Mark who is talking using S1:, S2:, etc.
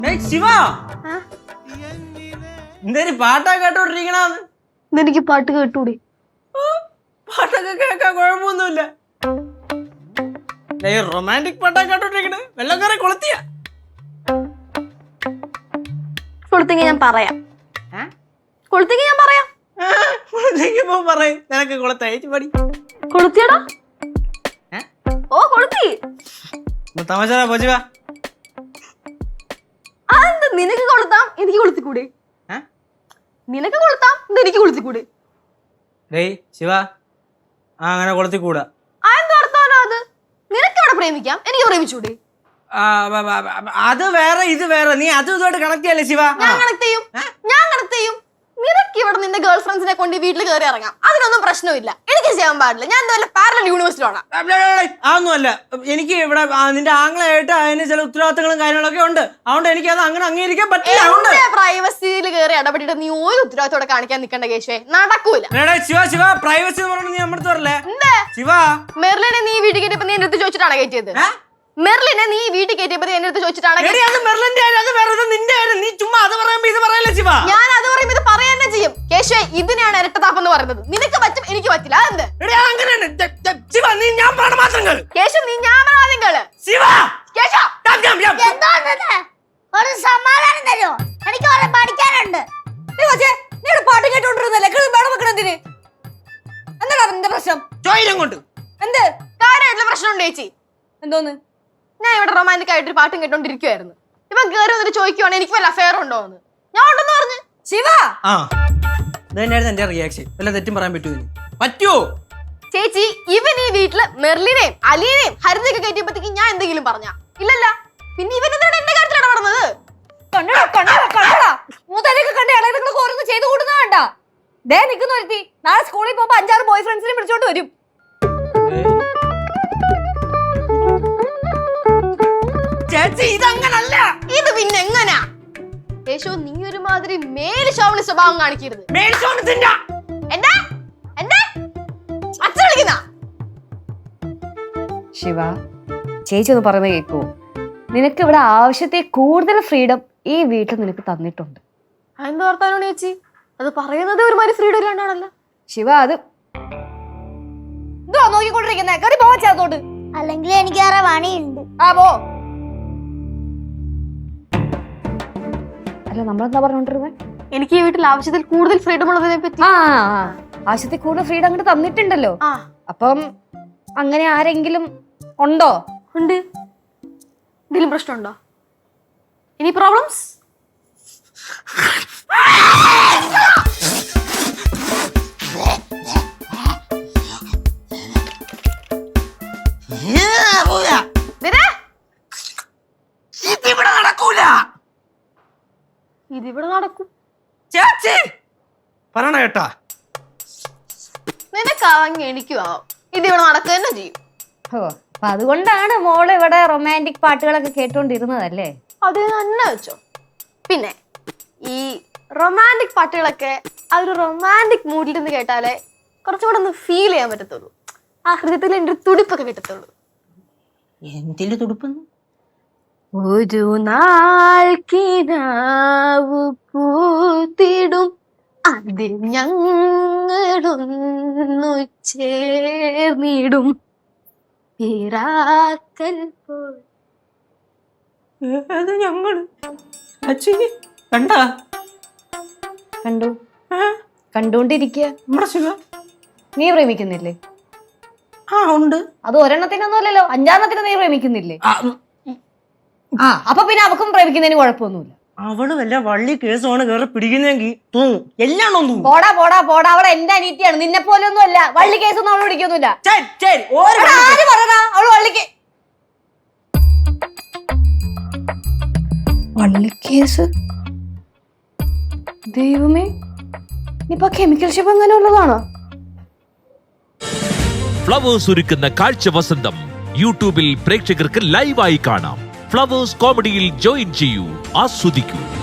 S1: ശിവ എന്തേലും പാട്ടാ കേട്ടോണ്ടിരിക്കണന്ന്?
S2: എനിക്ക് പാട്ട് കേട്ടൂടെ?
S1: പാട്ടൊക്കെ കേൾക്കാൻ കുഴപ്പമൊന്നുമില്ല. റൊമാൻറ്റിക് പാട്ടാ കേട്ടോണ്ടിരിക്കണേ. വെള്ളം കയറി കൊളുത്തിയ
S2: കൊളുത്തെങ്കിൽ ഞാൻ പറയാം. കൊളുത്തെങ്കിൽ ഞാൻ പറയാം.
S1: കൊളുത്തിക്കുമ്പോ പറയും നിനക്ക് കൊളുത്തയച്ചു പടി.
S2: കൊളുത്തിയടാ? ഓ കൊളുത്തി.
S1: തമാശ പോച്ചുവാ.
S2: അതെന്ത്? നിനക്ക് കൊളുത്താം, എനിക്ക് കൊളുത്തിക്കൂടെ? നിനക്ക് കൊളുത്താം, എനിക്ക് കൊളുത്തിക്കൂടെ?
S1: ശിവ അങ്ങനെ കൊളുത്തിക്കൂടാ.
S2: അതെന്ത് വർത്താനോ അത്? നിനക്ക് ഇവിടെ പ്രേമിക്കാം, എനിക്ക് പ്രേമിച്ചൂടെ?
S1: അത് വേറെ ഇത് വേറെ. നീ അതും ഇതുമായിട്ട് കണക്ട് ചെയ്യല്ലേ ശിവ?
S2: ഞാൻ കണക്ട് ചെയ്യും. നിനക്ക് ഇവിടെ നിന്റെ ഗേൾ ഫ്രണ്ട്സിനെ കൊണ്ട് വീട്ടിൽ കയറി ഇറങ്ങാം, അതിനൊന്നും പ്രശ്നമില്ല. എനിക്ക് ചെയ്യാൻ പാടില്ല. ഞാൻ എന്താ പാരലൽ യൂണിവേഴ്സിറ്റിയാണ്.
S1: അതൊന്നുമല്ല. എനിക്ക് ഇവിടെ നിന്റെ ആംഗ്ലമായിട്ട് അതിന് ചില ഉത്തരവാദിത്തങ്ങളും കാര്യങ്ങളൊക്കെ ഉണ്ട്. അതുകൊണ്ട് എനിക്ക് അത് അങ്ങനെ അംഗീകരിക്കാൻ പറ്റില്ല.
S2: പ്രൈവസിയിൽ കയറി ഇടപെട്ടിട്ട് നീ ഒരു ഉത്തരവാദിത്തോടെ കാണിക്കാൻ നിൽക്കേണ്ട കേശവേ, നടക്കൂല.
S1: ശിവ പ്രൈവസി എന്ന് പറഞ്ഞാൽ നീ നമ്മുടെ പറയല്ലേ ശിവ.
S2: മെർലിനെ നീ വീട്ടിൽ കയറ്റിയപ്പോ നീ എന്റെ അടുത്ത് ചോദിച്ചിട്ടാണ് കയറ്റിയത്? മെർലിനെ നീ വീട്ടിൽ കയറ്റിയപ്പോ എന്റെ അടുത്ത് ചോദിച്ചിട്ടാണ്? ഞാൻ അത് പറയുമ്പോ ഇത് പറയാൻ തന്നെ ചെയ്യും. കേശവേ, ഇതിനെയാണ് ഇരട്ടത്താപ്പെന്ന് പറയുന്നത്. നിനക്ക് പറ്റും, എനിക്ക് പറ്റില്ല. അതെന്ത്? കേശവ്, നീ ഞാൻ പറയാതെങ്കള്.
S3: ഒരു സമാധാനം തരുമോ? എനിക്ക് പഠിക്കാനുണ്ട്.
S2: പാട്ട് കേട്ടോണ്ടിരുന്നല്ലേ വെക്കണതിന്? എന്താ നിന്റെ പ്രശ്നം?
S1: കൊണ്ട്
S2: എന്ത് കാര്യമായിട്ടുള്ള പ്രശ്നമുണ്ട് ചേച്ചി? എന്തോന്ന്? ഞാൻ ഇവിടെ റൊമാൻറ്റിക് ആയിട്ട് പാട്ടും കേട്ടോണ്ടിരിക്കുവായിരുന്നു. ഇപ്പൊ കേറി വന്നിട്ട് ചോദിക്കുവാണ് എനിക്ക് വല്ല അഫെയർ ഉണ്ടോന്ന്. ഞാൻ ഉണ്ടെന്ന് പറഞ്ഞു. ശിവ
S1: എന്റെ റിയാക്ഷൻ വല്ല തെറ്റും പറയാൻ പറ്റുമോ?
S2: ചേച്ചി, ഇവൻ ഈ വീട്ടില് മെർലിനെയും അലീനെയും ഹരിതയൊക്കെ കയറ്റിയപ്പോഴത്തേക്ക് ഞാൻ എന്തെങ്കിലും പറഞ്ഞ? ഇല്ലല്ല. പിന്നെ ഇവൻ എന്താണ് എന്റെ കാര്യത്തിൽ ഇടപെടുന്നത്? ഓരോന്ന് ചെയ്തു കൂടുന്നതാണ്ട. ദേ നിൽക്കുന്ന ഒരുത്തി നാളെ സ്കൂളിൽ പോകുമ്പോ 5-6 ബോയ് ഫ്രണ്ട്സിനെ വിളിച്ചോണ്ട് വരും.
S1: ഇതങ്ങനല്ല.
S2: ഇത് പിന്നെ എങ്ങനാ? യേശു, നീ ഒരുമാതിരി മേല് ശോഭന സ്വഭാവം കാണിക്കരുത്. അച്ഛൻ വിളിക്കുന്ന
S4: ശിവ, ചേച്ചി ഒന്ന് പറയുന്നത് കേൾക്കുമോ? നിനക്ക് ഇവിടെ ആവശ്യത്തെ കൂടുതൽ ഫ്രീഡം ഈ വീട്ടിൽ നിനക്ക് തന്നിട്ടുണ്ട്.
S2: എന്ത് വർത്താനോട് ചേച്ചി? അത് പറയുന്നത് ഒരുമാതിരി ഫ്രീഡം ഇല്ലാണ്ടാണല്ലോ.
S4: ശിവ, അത് നോക്കിക്കൊണ്ടിരിക്കുന്നേ. കറി പോവാത്തോട്ട്.
S3: അല്ലെങ്കിൽ എനിക്ക് വേറെ പണിയുണ്ട്.
S4: പോ. അല്ല, നമ്മളെന്താ പറഞ്ഞോണ്ടിരുന്നത്?
S2: എനിക്ക് ഈ വീട്ടിൽ ആവശ്യത്തിൽ കൂടുതൽ ഫ്രീഡം ഉള്ളതിനെ പറ്റി.
S4: ആവശ്യത്തിൽ കൂടുതൽ ഫ്രീഡം അങ്ങോട്ട് തന്നിട്ടുണ്ടല്ലോ. അപ്പം അങ്ങനെ ആരെങ്കിലും ഉണ്ടോ?
S2: ഉണ്ട്. എന്തെങ്കിലും പ്രശ്നമുണ്ടോ? ഇനി പ്രോബ്ലംസ്? ഇതിവിടെ നടക്കും.
S1: പറയണ കേട്ടാ?
S2: നിനക്കാവെങ്കിൽ എനിക്കും ആവാം. ഇതിവിടെ നടക്കുക തന്നെ ചെയ്യും.
S4: അപ്പൊ അതുകൊണ്ടാണ് മോള് ഇവിടെ റൊമാൻറ്റിക് പാട്ടുകളൊക്കെ കേട്ടോണ്ടിരുന്നതല്ലേ?
S2: അത് തന്നെ വെച്ചോ. പിന്നെ ഈ റൊമാൻറ്റിക് പാട്ടുകളൊക്കെ ആ ഒരു റൊമാൻറ്റിക് മൂഡിൽ നിന്ന് കേട്ടാലേ കുറച്ചും കൂടെ ഒന്ന് ഫീൽ ചെയ്യാൻ പറ്റത്തുള്ളൂ. ആ ഹൃദയത്തിൽ എൻ്റെ ഒരു തുടിപ്പൊക്കെ കിട്ടത്തുള്ളൂ.
S1: എന്തിന്റെ തുടിപ്പെന്ന്?
S2: ഒരു നാൾ കിനാവ് പൂത്തിടും, അതിൽ ഞങ്ങളൊന്നു ചേർന്നിടും.
S1: ഞങ്ങള്
S4: കണ്ടു കണ്ടോണ്ടിരിക്കുക. നീ പ്രേമിക്കുന്നില്ലേ?
S1: ഉണ്ട്.
S4: അത് ഒരെണ്ണത്തിനൊന്നും അല്ലല്ലോ, 5-ാമത്തിന് നീ പ്രേമിക്കുന്നില്ലേ? അപ്പൊ പിന്നെ അവക്കും പ്രേമിക്കുന്നതിന് കുഴപ്പമൊന്നുമില്ല.
S1: അവള് വല്ല വള്ളി കേസാണ് കേറി പിടിക്കുന്നെങ്കിൽ തോന്നും എല്ലാം
S4: പോടാ പോടാ പോടാ. അവളെ എന്റെ അനീറ്റിയാണ്, നിന്നെ പോലെ ഒന്നും അല്ല. വള്ളി കേസൊന്നും അവള് പിടിക്കൊന്നുമില്ല. ആര് പറഞ്ഞാ അവള് വള്ളിക്ക്? വള്ളിക്കേസ്? ദൈവമേ, ഇപ്പൊ കെമിക്കൽ ഷിപ്പ് അങ്ങനെ ഉള്ളതാണോ?
S5: ഫ്ലവേഴ്സ് ഒരുക്കുന്ന കാഴ്ച വസന്തം യൂട്യൂബിൽ പ്രേക്ഷകർക്ക് ലൈവായി കാണാം. ഫ്ലവേഴ്സ് കോമഡിയിൽ ജോയിൻ ചെയ്യൂ, ആസ്വദിക്കൂ.